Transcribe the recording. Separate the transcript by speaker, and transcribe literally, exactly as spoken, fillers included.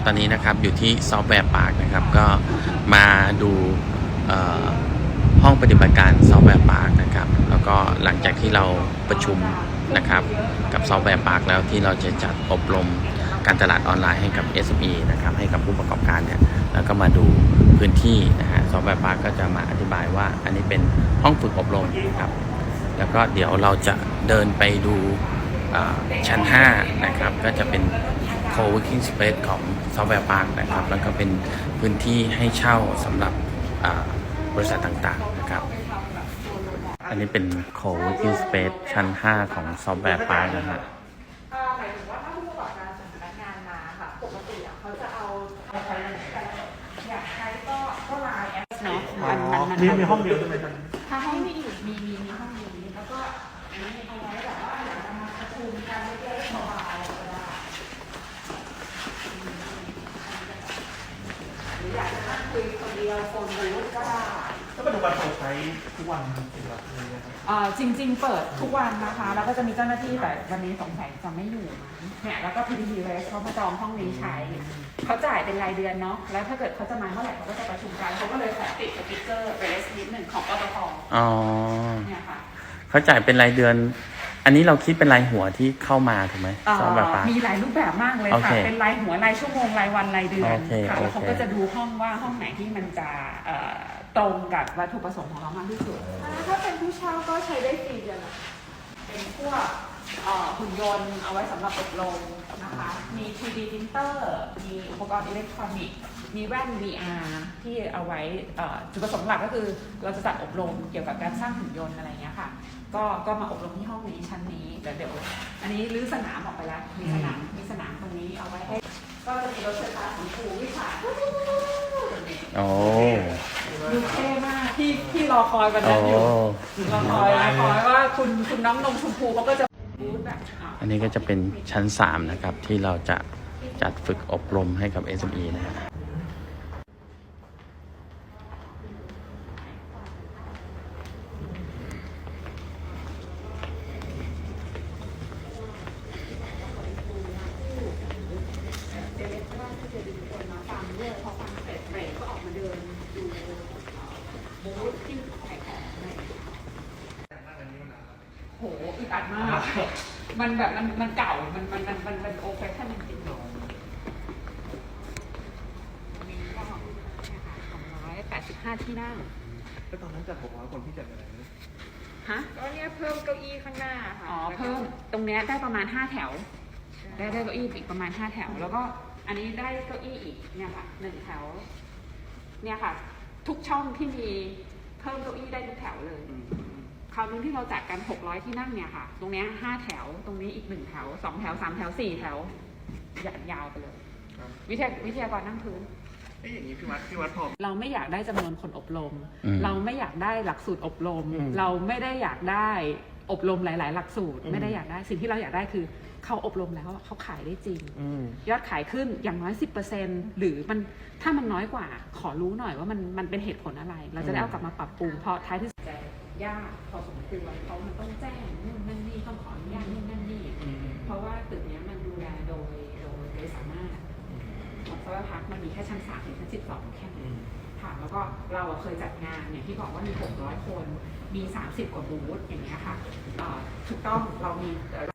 Speaker 1: ตอนนี้นะครับอยู่ที่ซอฟต์แวร์ปาร์คนะครับก็มาดูห้องปฏิบัติการซอฟต์แวร์ปาร์คนะครับแล้วก็หลังจากที่เราประชุมนะครับกับซอฟต์แวร์ปาร์คแล้วที่เราจะจัดอบรมการตลาดออนไลน์ให้กับ เอส เอ็ม อี นะครับให้กับผู้ประกอบการเนี่ยแล้วก็มาดูพื้นที่นะฮะซอฟต์แวร์ปาร์คก็จะมาอธิบายว่าอันนี้เป็นห้องฝึกอบรมนะครับแล้วก็เดี๋ยวเราจะเดินไปดูชั้นห้านะครับก็จะเป็น co-working space ของซอฟต์แวร์ปาร์คนะครับแล้วก็เป็นพื้นที่ให้เช่าสำหรับบริษัทต่างๆนะครับอันนี้เป็น co-working space ชั้นห้าของซอฟต์แวร์ปาร์คนะฮะ
Speaker 2: หมายถึงว่าถ้าผู้ประกอบการส่งพนักงานมาค่ะปกติเขาจะเอาอยากใช้ก็ก็ไลน์แอปเนาะมันมัน
Speaker 3: มีมีห้องเดียวใช่ไหมครับ
Speaker 2: ถ้าห้องไม่อยู่มีมีมีห้องนี้แล้วก็อันนี้เอาไว้แบบว่าอยากจะมาประชุมกันเล็กๆสบายๆก็ได้หรืออยากจะนั่งคุยคนเดียวโฟนบูธก็ได้
Speaker 3: ถ้าปัจจุบันเราใช้ทุกวันจริงๆอะไรเงี้ยครับ
Speaker 2: จริงๆเปิดทุกวันนะคะแล้วก็จะมีเจ้าหน้าที่แต่วันนี้สงสัยจะไม่อยู่เนี่ยแล้วก็ พี ที ที Rest เขามาจองห้องนี้ใช้เขาจ่ายเป็นรายเดือนเนาะแล้วถ้าเกิดเขาจะมาเมื่อไหร่เขาก็จะประชุมกันเขาก็เลยขอติดสติ๊กเกอร์ Rest นิดหนึ่งของปตท.
Speaker 1: อ๋อ
Speaker 2: เนี่ยค่ะ
Speaker 1: เขาจ่ายเป็นรายเดือนอันนี้เราคิดเป็นรายหัวที่เข้ามาถูกไหมซอฟต์แวร์ปาร์ค
Speaker 2: มีหลายรูปแบบมากเลยค่ะเป็นรายหัวรายชั่วโมงรายวันรายเดือนค่ะแล้วเขาก็จะดูห้องว่าห้องไหนที่มันจะตรงกับวัตถุประสงค์ของเรามากที่สุดถ้าเป็นผู้เช่าก็ใช้ได้ฟรีเดือนละเป็นพวกหุ่นยนต์เอาไว้สำหรับอบรมนะคะมี ทรี ดี printer มีอุปกรณ์อิเล็กทรอนิกส์มีแว่น วี อาร์ ที่เอาไว้จุดประสงค์หลักก็คือเราจะจัดอบรมเกี่ยวกับการสร้างหุ่นยนต์อะไรเงี้ยค่ะก็ก็มาอบรมที่ห้องนี้ชั้นนี้เดี๋ยวเดี๋ยวอันนี้รื้อสนามออกไปแล้วมีสนามมีสนามตรงนี้เอาไว้ให้ก็จะมีรถไฟฟ้าของครูวิชา
Speaker 1: โอ้
Speaker 2: ดูเท่มากที่ที่รอคอยวันนั้นอยู่รอคอยรอคอยว่าคุณคุณน้องนมชมพูเขาก็จะ
Speaker 1: อันนี้ก็จะเป็นชั้นสามนะครับที่เราจะจัดฝึกอบรมให้กับ เอส เอ็ม อี นะฮะ
Speaker 2: โหอึดอัดมากมันแบบมันมันเก่ามันมันมันมันเป็นโอเฟชั่นจริงๆมีก็สองร้อยแปดสิบห้าที่นั่ง
Speaker 3: แล้วตอนนั้นจัดหกร้อยคนที่จัดอะไรนะ
Speaker 2: ฮะก็เนี่ยเพิ่มเก้าอี้ข้างหน้าค่ะอ๋อเพิ่มตรงเนี้ยได้ประมาณห้าแถวได้ได้เก้าอี้อีกประมาณห้าแถวแล้วก็อันนี้ได้เก้าอี้อีกเนี่ยค่ะหนึ่งแถวเนี่ยค่ะทุกช่องที่มีเพิ่มเก้าอี้ได้ทุกแถวเลยคราวนึงที่เราจัดกันหกร้อยที่นั่งเนี่ยค่ะตรงนี้ห้าแถวตรงนี้อีกหนึ่งแถวสองแถวสามแถวสี่แถวยาวไปเลยวิทยาวิทยากรนั่งพื้น
Speaker 3: เอ๊ะอย่างนี้พี่วัดพี่วัดพอ
Speaker 2: เราไม่อยากได้จำนวนคนอบรมเราไม่อยากได้หลักสูตรอบรมเราไม่ได้อยากได้อบรมหลายๆหลักสูตรไม่ได้อยากได้สิ่งที่เราอยากได้คือเขาอบรมแล้วเขาขายได้จริงยอดขายขึ้นอย่างน้อย สิบเปอร์เซ็นต์ หรือมันถ้ามันน้อยกว่าขอรู้หน่อยว่ามันมันเป็นเหตุผลอะไรเราจะได้เอากลับมาปรับปรุงเพราะท้ายที่สุดยากพอสมควรเขามันต้องแจ้งนู่นนั่นนี่ต้องขออนุญาตนู่นนั่นนี่เพราะว่าตึกนี้มันดูแลโดยโดยโดยสามารถของซอยพักมันมีแค่ชั้นสามถึงชั้นสิบสองแค่นั้นค่ะแล้วก็เราเคยจัดงานเนี่ยที่บอกว่ามีหกร้อยคนมีสามสิบกว่าบูธอย่างเงี้ยค่ะถูกต้องเรามี